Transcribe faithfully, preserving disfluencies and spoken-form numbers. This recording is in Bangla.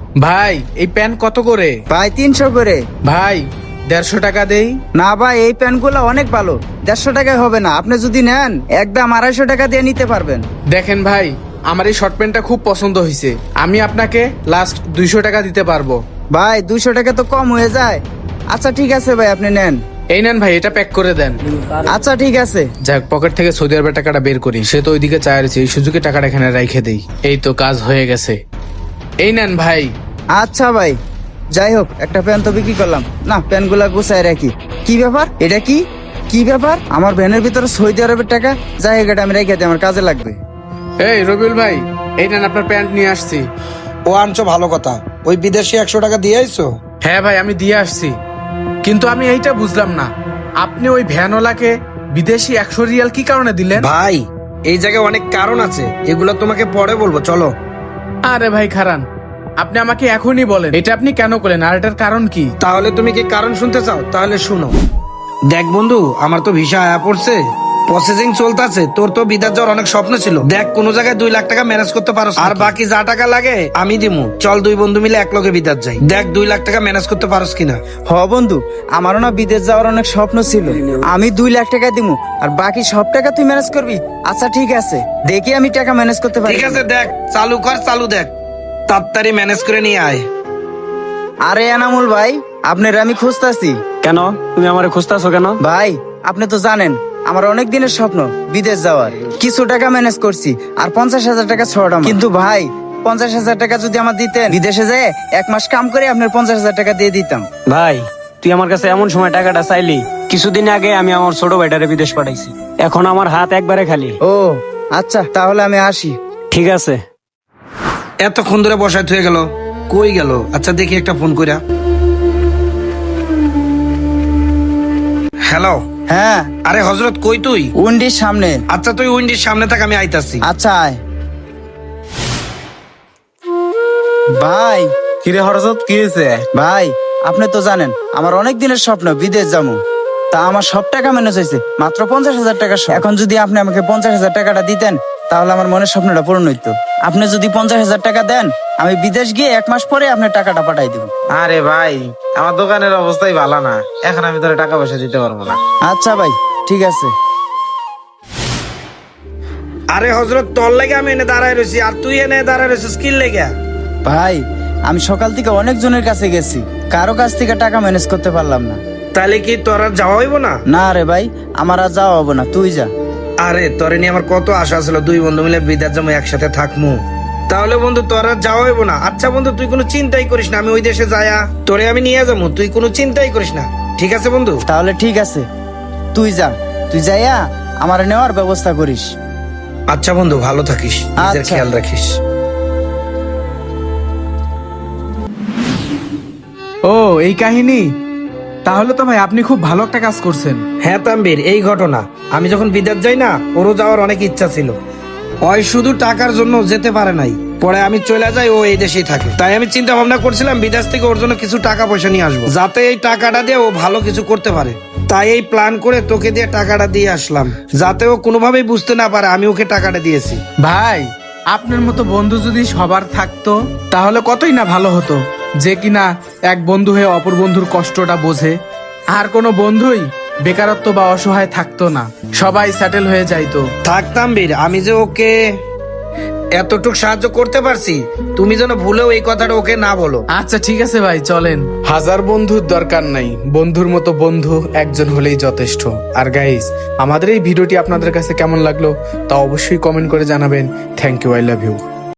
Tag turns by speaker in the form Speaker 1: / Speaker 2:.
Speaker 1: ভাই এই প্যান্ট কত করে?
Speaker 2: ভাই তিনশো করে।
Speaker 1: ভাই দেড়শো টাকা দেই।
Speaker 2: না ভাই, এই প্যান্টগুলো অনেক ভালো, দেড়শো টাকায় হবে না। আপনি যদি নেন একদম আড়াইশো টাকা দিয়ে নিতে পারবেন।
Speaker 1: দেখেন ভাই, আমার এই শর্ট প্যান্টটা খুব পছন্দ হয়েছে, আমি আপনাকে লাস্ট দুইশো টাকা দিতে পারবো।
Speaker 2: ভাই দুইশো টাকা তো কম হয়ে যায়। আচ্ছা ঠিক আছে ভাই, আপনি নেন।
Speaker 1: এই নেন ভাই, এটা প্যাক করে দেন।
Speaker 2: আচ্ছা ঠিক আছে।
Speaker 1: যাক, পকেট থেকে সৌদি আরবের টাকাটা বের করি, সে তো ওইদিকে চায় রয়েছে, এই সুযোগে টাকাটা এখানে রাইখে দেই। এই তো কাজ হয়ে গেছে। এই নেন ভাই।
Speaker 2: আচ্ছা ভাই, যাই হোক একটা প্যান্ট তো বিক্রি করলাম। না, প্যান্টগুলা গুছায় রাখি। কি ব্যাপার, এটা কি কি ব্যাপার? আমার ভ্যানের ভিতরে সৌদি আরবের টাকা। যাই হোক, এটা আমি রেখে দিই, আমার কাজে লাগবে।
Speaker 1: এই রবিউল ভাই, এই নেন আপনার প্যান্ট নিয়ে আসছি।
Speaker 3: ও আনছো, ভালো কথা। ওই বিদেশি একশো টাকা দিয়ে আইছো?
Speaker 1: হ্যাঁ ভাই, আমি দিয়ে আসছি, কিন্তু আমি এইটা বুঝলাম না, আপনি ওই ভ্যানওয়ালাকে বিদেশি একশো রিয়াল কি কারণে দিলেন?
Speaker 3: ভাই এই জায়গায় অনেক কারণ আছে, এগুলো তোমাকে পরে বলবো, চলো।
Speaker 1: আরে ভাই খারান, আপনি আমাকে এখনই বলেন এটা আপনি কেন করলেন, আর এটার কারণ কি?
Speaker 3: তাহলে তুমি কি কারণ শুনতে চাও? তাহলে শুনো। দেখ বন্ধু, আমার তো ভিসা আয়া পড়ছে, প্রসেসিং চলতেছে। তোর তো বিদেশ যাওয়ার অনেক স্বপ্ন ছিল। দেখ, কোন জায়গায় দুই লাখ টাকা ম্যানেজ করতে পারো, আর বাকি যা টাকা লাগে আমি দিমু। চল দুই বন্ধু মিলে এক লগে বিদেশ যাই। দেখ দুই লাখ টাকা ম্যানেজ করতে পারোস কিনা।
Speaker 2: হ বন্ধু, আমারও না বিদেশ যাওয়ার অনেক স্বপ্ন ছিল। আমি দুই লাখ টাকা দিমু, আর বাকি সব টাকা তুই ম্যানেজ করবি। আচ্ছা ঠিক আছে, দেখি আমি টাকা ম্যানেজ করতে পারি।
Speaker 3: ঠিক আছে, দেখ চালু কর, চালু দেখ, তাড়াতাড়ি ম্যানেজ করে নিয়ে আয়।
Speaker 2: আরে এনামুল ভাই, আপনার আমি খুঁজতাছি।
Speaker 4: কেন তুমি আমারে খুঁজতেছো কেন?
Speaker 2: ভাই আপনি তো জানেন আমার অনেক দিনের স্বপ্ন বিদেশ যাওয়ার। কিছু টাকা ম্যানেজ করছি, আর পঞ্চাশ হাজার টাকা ছড়া। কিন্তু ভাই পঞ্চাশ হাজার টাকা যদি আমার দিতেন, বিদেশে যেয়ে এক মাস কাম করে আপনার পঞ্চাশ হাজার টাকা দিয়ে দিতাম।
Speaker 4: ভাই তুই আমার কাছে এমন সময় টাকাটা চাইলি, কিছুদিন আগে আমি আমার ছোট ভাইটারে বিদেশ পাঠাইছি, এখন আমার হাত একবারে খালি।
Speaker 2: ও আচ্ছা, তাহলে আমি আসি।
Speaker 4: ঠিক আছে।
Speaker 3: এতক্ষণ ধরে বসায় থয়ে গেল, কই গেল? আচ্ছা দেখি একটা ফোন কইরা। হ্যালো।
Speaker 2: হ্যাঁ।
Speaker 3: আরে হজরত, কই তুই?
Speaker 2: উন্ডির সামনে।
Speaker 3: আচ্ছা তুই উইন্ডির সামনে থাক, আমি আইতাছি।
Speaker 2: আচ্ছা আয়। ভাই
Speaker 5: কিরে হরজত, কি হয়েছে?
Speaker 2: ভাই আপনি তো জানেন আমার অনেক দিনের স্বপ্ন বিদেশ যাবো। তা আমার সব টাকা ম্যানেজ হয়েছে, মাত্র পঞ্চাশ হাজার টাকা। এখন যদি আপনি আমাকে পঞ্চাশ হাজার টাকাটা দিতেন, তাহলে আমার মনের স্বপ্নটা পূরণ হইতো। আপনি যদি পঞ্চাশ হাজার টাকা দেন, আমি বিদেশ গিয়ে এক মাস পরে আপনার টাকাটা পাঠাই দিব।
Speaker 5: আরে ভাই, আমার দোকানের অবস্থাই ভালো না, এখন আমি তোর টাকা পয়সা দিতে পারবো না।
Speaker 2: আচ্ছা ভাই ঠিক আছে।
Speaker 3: আরে হজরত, তোর লাগে আমি এনে দাঁড়ায় রয়েছি, আর তুই এনে দাঁড়ায় রয়েছিস কি লেগে?
Speaker 2: ভাই আমি সকাল থেকে অনেক জনের কাছে গেছি, কারো কাছ থেকে টাকা ম্যানেজ করতে পারলাম না।
Speaker 3: তাহলে কি তোর আর যাওয়া হইব না?
Speaker 2: না রে ভাই, আমার আর যাওয়া হবো না, তুই যা।
Speaker 3: আরে তোরে নিয়ে আমার কত আশা ছিল, দুই বন্ধু মিলে বিদেশ যাবো, একসাথে থাকবো। তাহলে বন্ধু তোর আর যাওয়া হইব না। আচ্ছা বন্ধু, তুই কোনো চিন্তাই করিস না, আমি ওই দেশে যায়া তোরে আমি নিয়ে যাবো, তুই কোনো চিন্তাই করিস না। ঠিক আছে বন্ধু?
Speaker 2: তাহলে ঠিক আছে, তুই যা, তুই যাইয়া আমার নেওয়ার ব্যবস্থা করিস।
Speaker 3: আচ্ছা বন্ধু, ভালো থাকিস, নিজের
Speaker 2: আচ্ছা।
Speaker 3: খেয়াল রাখিস।
Speaker 1: ও এই কাহিনী, তাহলে তো ভাই আপনি খুব ভালো একটা কাজ করছেন।
Speaker 3: হ্যাঁ তাম্বির, এই ঘটনা। আমি যখন বিদেশ যাই না, ওরও যাওয়ার অনেক ইচ্ছা ছিল, ওই শুধু টাকার জন্য যেতে পারে নাই। পরে আমি চলে যাই, ও এই দেশেই থাকে। তাই আমি চিন্তা ভাবনা করছিলাম বিদেশ থেকে ওর জন্য কিছু টাকা পয়সা নিয়ে আসবো, যাতে এই টাকাটা দিয়ে ও ভালো কিছু করতে পারে। তাই এই প্ল্যান করে তোকে দিয়ে টাকাটা দিয়ে আসলাম, যাতে ও কোনোভাবেই বুঝতে না পারে আমি ওকে টাকাটা দিয়েছি।
Speaker 1: ভাই আপনার মতো বন্ধু যদি সবার থাকতো, তাহলে কতই না ভালো হতো, যে কিনা এক বন্ধু হয়ে অপর বন্ধুর কষ্টটা বোঝে, আর কোনো বন্ধুই বেকারত্ব বা অসহায় থাকতো না, সবাই সেটেল হয়ে যাইতো।
Speaker 3: থাকতাম বীর, আমি যে ওকে এতটুকু সাহায্য করতে পারছি, তুমি যেন ভুলেও এই কথাটা ওকে না বলো।
Speaker 1: আচ্ছা ঠিক আছে ভাই, চলেন। হাজার বন্ধুর দরকার নাই, বন্ধুর মতো বন্ধু একজন হলেই যথেষ্ট। আর গাইস, আমাদের এই ভিডিওটি আপনাদের কাছে কেমন লাগলো তা অবশ্যই কমেন্ট করে জানাবেন। Thank you, I love you.